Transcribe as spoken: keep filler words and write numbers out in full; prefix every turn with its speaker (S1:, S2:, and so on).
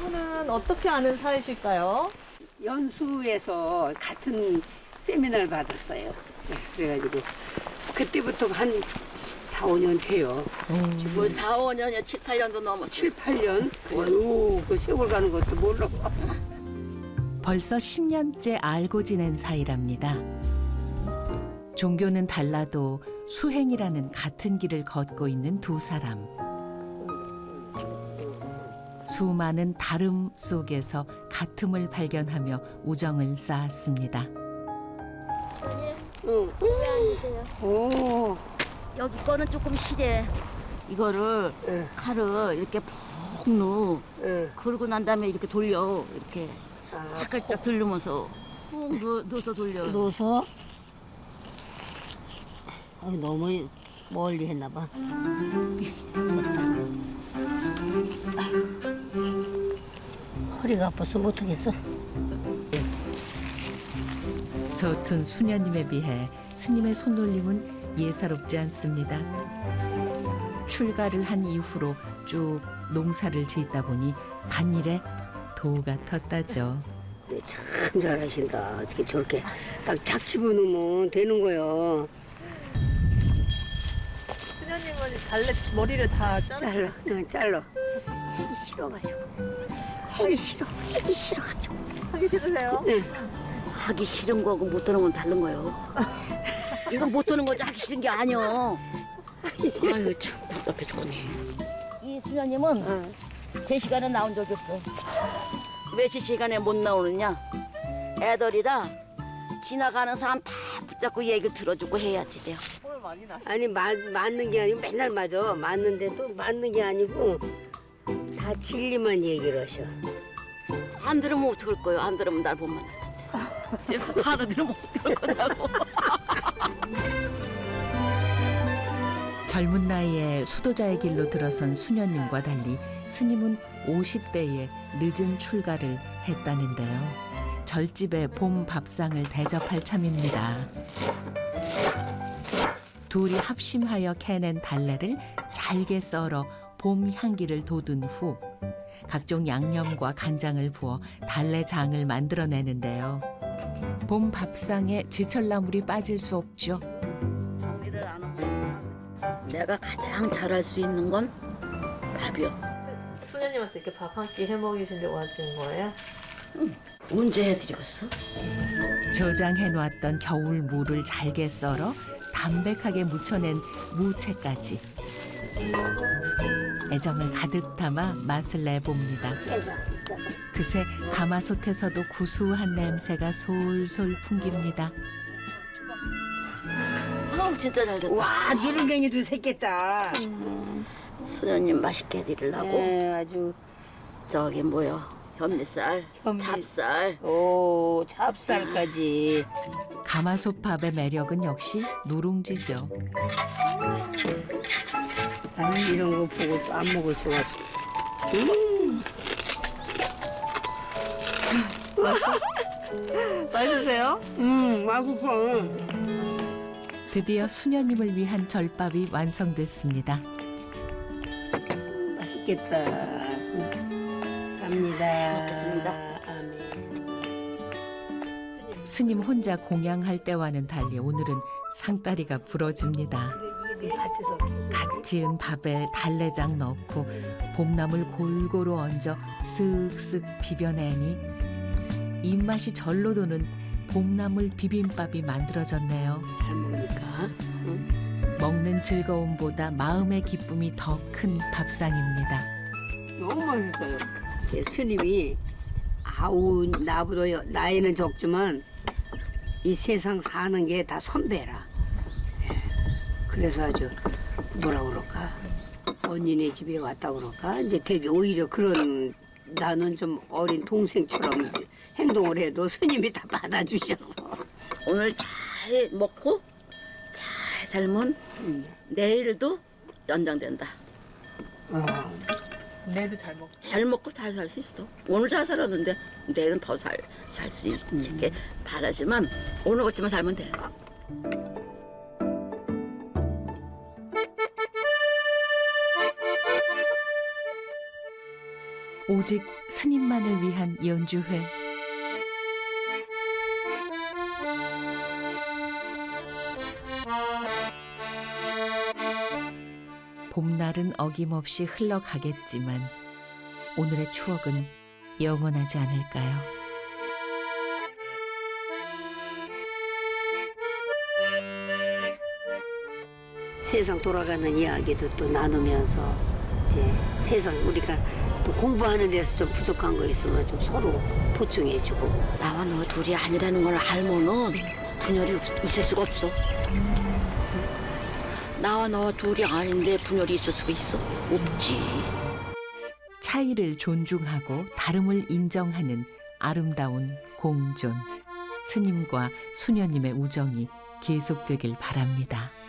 S1: 분은 어떻게 아는 사이실까요?
S2: 연수에서 같은 세미나를 받았어요. 네, 그래가지고 그때부터 한 사, 오 년 돼요.
S3: 뭐 사, 오 년이요, 칠, 팔 년도 넘었어요.
S2: 칠, 팔 년? 어휴, 그 세월 가는 것도 몰라.
S4: 벌써 십 년째 알고 지낸 사이랍니다. 종교는 달라도 수행이라는 같은 길을 걷고 있는 두 사람. 수많은 다름 속에서 같음을 발견하며 우정을 쌓았습니다.
S2: 응.
S3: 왜 앉으세요?
S2: 오,
S3: 여기 거는 조금 시래. 이거를
S2: 응.
S3: 칼을 이렇게 푹 넣어.
S2: 응.
S3: 그러고 난 다음에 이렇게 돌려. 이렇게
S2: 아,
S3: 살짝 들르면서 푹 넣, 넣어서 돌려.
S5: 넣어서 어, 너무 멀리 했나 봐. 허리가 아파서 못하겠어.
S4: 서툰 수녀님에 비해 스님의 손놀림은 예사롭지 않습니다. 출가를 한 이후로 쭉 농사를 짓다 보니 밭일에 도가 텄다죠.
S2: 네, 참 잘하신다. 어떻게 저렇게 딱 작 집어넣으면 되는 거요.
S1: 수녀님은 달래 머리를 다 자르
S2: 잘라, 응, 잘라. 하기 싫어가지고. 하기 싫어, 하기 싫어가지고.
S1: 하기 싫으세요?
S2: 네.
S3: 하기 싫은 거하고 못 드는 건 다른 거예요. 이건 못 드는 거지 하기 싫은 게 아니요. 아유 참 답답해 죽겠네. 이 수녀님은
S2: 응.
S3: 제 시간에 나온 적이 없어. 몇 시 시간에 못 나오느냐? 애들이라 지나가는 사람 다 붙잡고 얘기를 들어주고 해야지 돼요.
S1: 오늘 많이 나.
S2: 아니, 맞, 맞는 게 아니고 맨날 맞아. 맞는데도 맞는 게 아니고 다 진리만 얘기를 하셔.
S3: 안 들으면 어떡할 거예요? 안 들으면 날 못 만나는데. 제가 하루 들으면 어떡할 거냐고.
S4: 젊은 나이에 수도자의 길로 들어선 수녀님과 달리 스님은 오십 대에 늦은 출가를 했다는데요. 절집의 봄 밥상을 대접할 참입니다. 둘이 합심하여 캐낸 달래를 잘게 썰어 봄 향기를 돋운 후 각종 양념과 간장을 부어 달래장을 만들어내는데요. 봄 밥상에 지철나물이 빠질 수 없죠.
S3: 고기를 안 먹으면 내가 가장 잘할 수 있는 건 밥이요.
S1: 수녀님한테 이렇게 밥 한 끼 해 먹이시려고 하시는 거예요?
S3: 언제 해드리겠어?
S4: 저장해놓았던 겨울 무를 잘게 썰어 담백하게 무쳐낸 무채까지 애정을 가득 담아 맛을 내봅니다. 그새 가마솥에서도 구수한 냄새가 솔솔 풍깁니다.
S3: 아우 진짜 잘 됐다.
S2: 와, 누룽갱이도 샜겠다.
S3: 수녀님 맛있게 해드리려고
S2: 네, 아주.
S3: 저기 뭐요? 현미쌀,
S2: 현미.
S3: 찹쌀.
S2: 오, 찹쌀까지.
S4: 가마솥밥의 매력은 역시 누룽지죠.
S2: 나는 이런 거 보고 또 안 먹을 수가 없어. 음,
S1: 맛있으세요?
S2: 음, 맛있어.
S4: 드디어 수녀님을 위한 절밥이 완성됐습니다.
S2: 맛있겠다. 갑니다.
S3: 먹겠습니다.
S2: 아멘.
S4: 스님 혼자 공양할 때와는 달리 오늘은 상다리가 부러집니다.
S2: 이게 네 밭에서
S4: 갓 지은 밥에 달래장 넣고 봄나물 골고루 얹어 쓱쓱 비벼내니 입맛이 절로 도는 봄나물 비빔밥이 만들어졌네요.
S2: 잘 먹으니까. 응?
S4: 먹는 즐거움보다 마음의 기쁨이 더 큰 밥상입니다.
S2: 너무 맛있어요. 제 스님이 아우 나보다 여- 나이는 적지만 이 세상 사는 게 다 선배라. 예. 그래서 아주 뭐라 그럴까 언니네 집에 왔다 그럴까 이제 되게 오히려 그런 나는 좀 어린 동생처럼 행동을 해도 스님이 다 받아주셔서.
S3: 오늘 잘 먹고 잘 살면
S2: 음.
S3: 내일도 연장된다.
S2: 어.
S1: 내일도 잘 먹.
S3: 잘 먹고 잘 살 수 있어. 오늘 잘 살았는데 내일은 더 살 살 수 있게 바라지만 오늘 같지만 살면 돼.
S4: 오직 스님만을 위한 연주회. 봄날은 어김없이 흘러가겠지만 오늘의 추억은 영원하지 않을까요?
S2: 세상 돌아가는 이야기도 또 나누면서 이제 세상 우리가 또 공부하는 데서 좀 부족한 거 있으면 좀 서로 보충해주고.
S3: 나와 너 둘이 아니라는 걸 알면은 분열이 없- 있을 수가 없어. 나와 너 둘이 아닌데 분열이 있을 수가 있어? 없지.
S4: 차이를 존중하고 다름을 인정하는 아름다운 공존. 스님과 수녀님의 우정이 계속되길 바랍니다.